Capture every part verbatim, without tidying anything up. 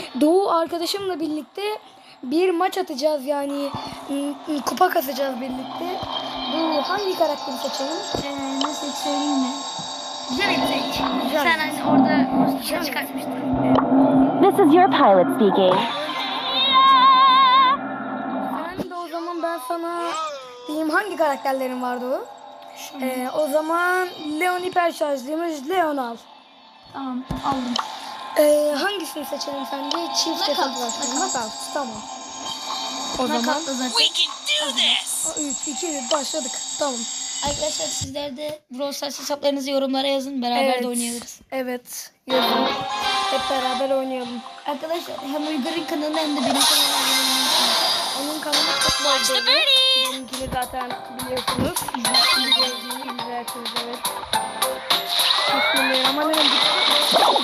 Doğu arkadaşımla birlikte bir maç atacağız yani kupa kasacağız birlikte. Doğu hangi karakteri seçelim? Ee, nasıl söyleyeyim mi? Janet seç. Sen hani orada şey çıkartmıştın. This is your pilot speaking. Sen de o zaman ben sana diyeyim hangi karakterlerin vardı o? Ee, o zaman Leon hiper şarjlıymış. Leon al. Tamam aldım. Ee, hangisini seçelim sence? Çift Knockout, hesaplaşma. knockout. Knockout. Tamam. O zaman Knockout'ta zaten. üç, iki, bir başladık. Tamam. Arkadaşlar sizler de Brawl Stars hesaplarınızı yorumlara yazın. Beraber Evet. de oynayabiliriz. Evet. Yazın. Hep beraber oynayalım. Arkadaşlar hem Uygar'ın kanalına hem de benim kanalıma abone olmayı unutmayın. Onun kanalı çok var. Benimkini zaten biliyorsunuz. İzlersiniz, izlersiniz evet. Bismillah. Aman hemen gitti.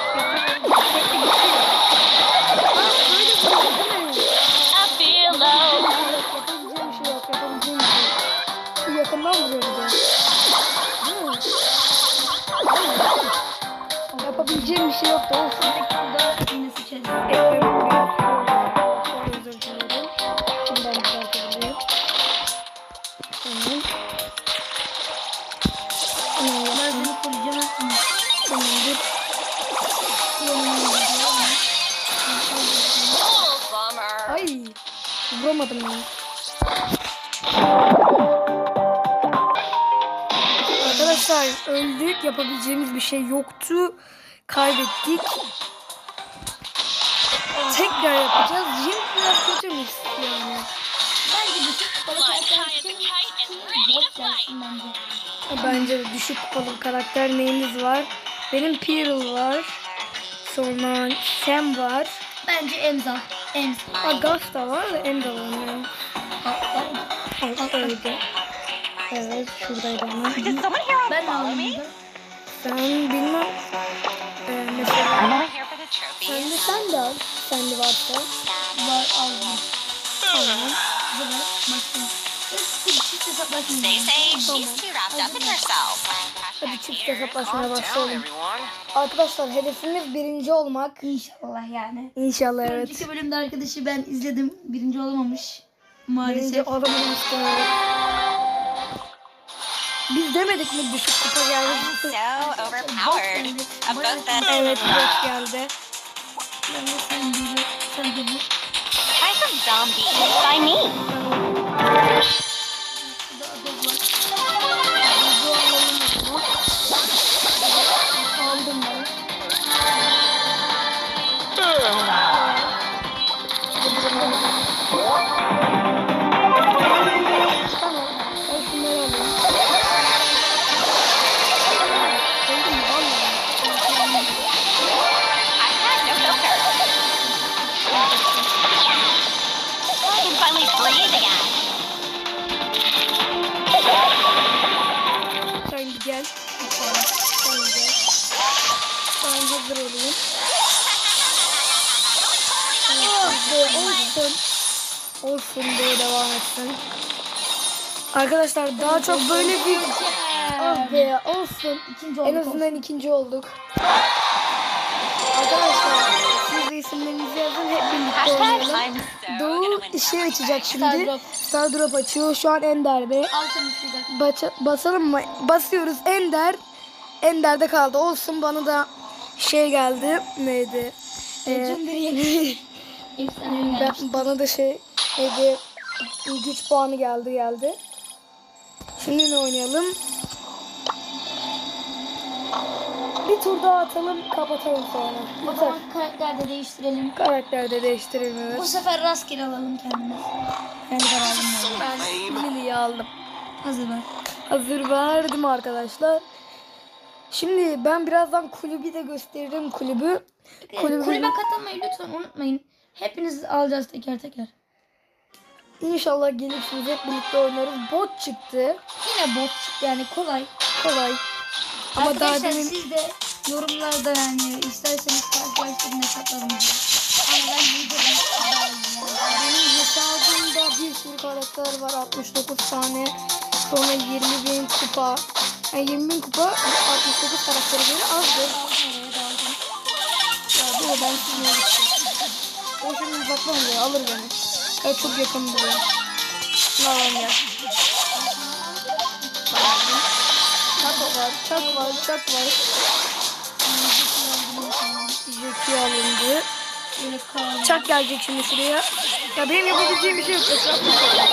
I feel low. Yapabileceğim bir şey yok. Yapabileceğim bir şey yok. Şu yakından vuruyor bir de. Değil mi? Yapabileceğim bir şey yok da olsun. Burada yine seçeriz. Ekranı vuruyor. Çok özür dilerim. Şimdiden düzeltebilirim. Tamam. Ben seni koruyacağım. Tamamdır. Ay. Vuramadım ya. Arkadaşlar öldük. Yapabileceğimiz bir şey yoktu. Kaybettik. Tekrar yapacağız. Jim biraz kötümüş yani. Bence düşük kupalı karakter için bot gelsin bence. Bence de düşük kupalı karakter neyimiz var? Benim Pearl var. Sonra Sam var. Bence Emza. Emza. Agas da var da Emda var yani. Evet, öyle. Evet, şuradaydı ama. Did someone here Ben follow aldım. me? Sen bilmem. Ee, I'm mesela only here for the sen trophies. de sen de al. Sen de varsa. Var aldım. Tamam. Burada başlayalım. Çift hesaplaşmayalım. They say she's too wrapped up in herself. Hadi çift hesaplaşmaya Calm down, başlayalım. everyone. Arkadaşlar hedefimiz birinci olmak. İnşallah yani. İnşallah evet. Önceki bölümde arkadaşı ben izledim. Birinci olamamış. Birinci Maalesef. olamamıştım evet. Biz demedik mi düşük kupa geldi? So overpowered. A book that Evet bot geldi. Ben de sen de sen de bu. Try some zombies by me. Şurada adı var. Aldım ben. Tamam. Ben şunları alayım. Öldüm mü? Almadım. I had no filter. I can finally breathe again. Sen bir gel. Sen bir gel. Ben hazır olayım. Ah be, olsun. Olsun diye devam etsin. Arkadaşlar daha çok böyle bir... Ah be olsun. İkinci En olduk. azından ikinci olduk. Arkadaşlar siz de isimlerinizi yazın hep birlikte Hashtag oynayalım. I'm so Doğu gonna win işi first açacak prize. şimdi. Star Drop. Star Drop açıyor. Şu an Ender'de. Al sen şurada. Baça- basalım mı? Basıyoruz. Ender. Ender'de kaldı. Olsun bana da şey geldi. Neydi? Ee, Efsane ürün ben, gelmiş. bana da şey neydi? Güç puanı geldi geldi. Şimdi ne oynayalım? Bir tur daha atalım. Kapatalım sonra. O Yeter. zaman karakter de değiştirelim. Karakter de Bu değiştirilmiyor. sefer rastgele alalım kendimiz. Ben de aldım. Ben Lily'yi aldım. Hazır var. Hazır verdim arkadaşlar. Şimdi ben birazdan kulübü de gösteririm kulübü. Kulübü Kulübe katılmayı lütfen unutmayın. Hepiniz alacağız teker teker. İnşallah gelirsiniz hep birlikte oynarız. Bot çıktı. Yine bot çıktı yani kolay. Kolay. Ama daha Arkadaşlar demin siz de yorumlarda yani isterseniz karşılaştırın hesaplarınızı. Ama ben videodan daha iyi yani. benim hesabımda bir sürü karakter var. altmış dokuz tane. Sonra yirmi bin kupa. Yani yirmi bin kupa altmış dokuz karaktere göre azdır. Nereye daldım? Ya bu da ben sizinle gittim. O şimdi uzaktan oluyor. Alır beni. Evet çok yakın duruyor. Şunu alalım gel. Çak var. Çak var. Çak var. Jeki alındı. Yine kaldı. Çak gelecek şimdi şuraya. Ya benim yapabileceğim bir şey yok. Etrafta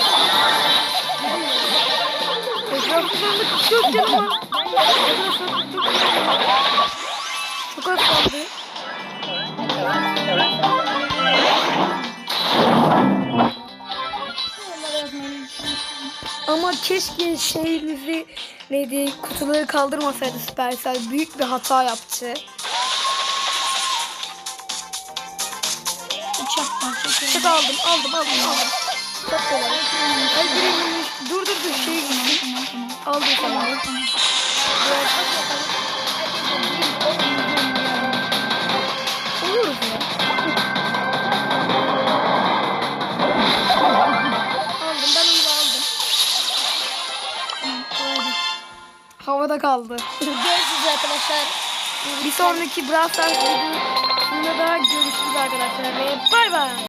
Etrafta sandık çok canım var. Çok az kaldı. Ama keşke şeyimizi neydi kutuları kaldırmasaydı Supercell. Büyük bir hata yaptı. Uçak var. Çok Çok aldım aldım aldım aldım. Çok kolay. Ay birinci dur dur dur şey gitsin. Tamam tamam. Aldım tamam. Oluruz ya. Aldım ben onu da aldım. Havada kaldı. Görüşürüz arkadaşlar. Bir sonraki Brawl Stars videosunda da görüşürüz arkadaşlar ve bay bay.